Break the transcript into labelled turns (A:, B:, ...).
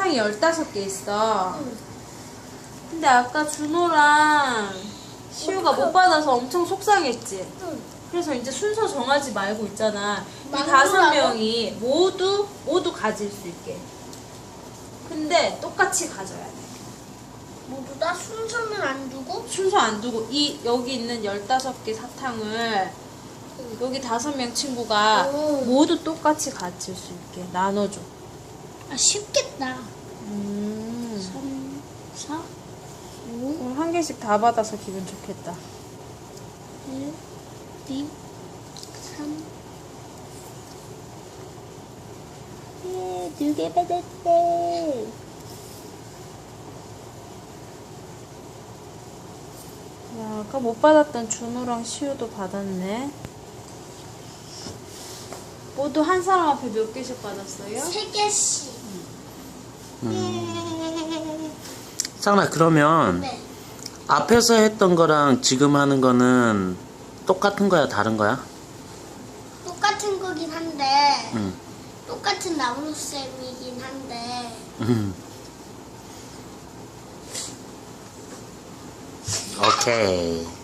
A: 사탕이 15개 있어.
B: 응.
A: 근데 아까 준호랑 시우가 못 받아서 엄청 속상했지?
B: 응.
A: 그래서 이제 순서 정하지 말고 있잖아. 이
B: 만두라고?
A: 5명이 모두 가질 수 있게. 근데 똑같이 가져야 돼.
B: 모두 다 순서는 안 두고?
A: 순서 안 두고 여기 있는 15개 사탕을 여기 5명 친구가
B: 오.
A: 모두 똑같이 가질 수 있게 나눠줘.
B: 아, 쉽겠다.
A: 3,
B: 4, 5,
A: 오늘 한 개씩 다 받아서 기분 좋겠다.
B: 1, 2, 3. 예, 2개 받았대.
A: 야, 아까 못 받았던 준호랑 시우도 받았네. 모두 한 사람 앞에 몇 개씩 받았어요?
B: 3개씩.
C: 상나, 그러면
B: 네.
C: 앞에서 했던 거랑 지금 하는 거는 똑같은 거야, 다른 거야?
B: 똑같은 거긴 한데,
C: 응.
B: 똑같은 나무쌤이긴 한데,
C: 오케이.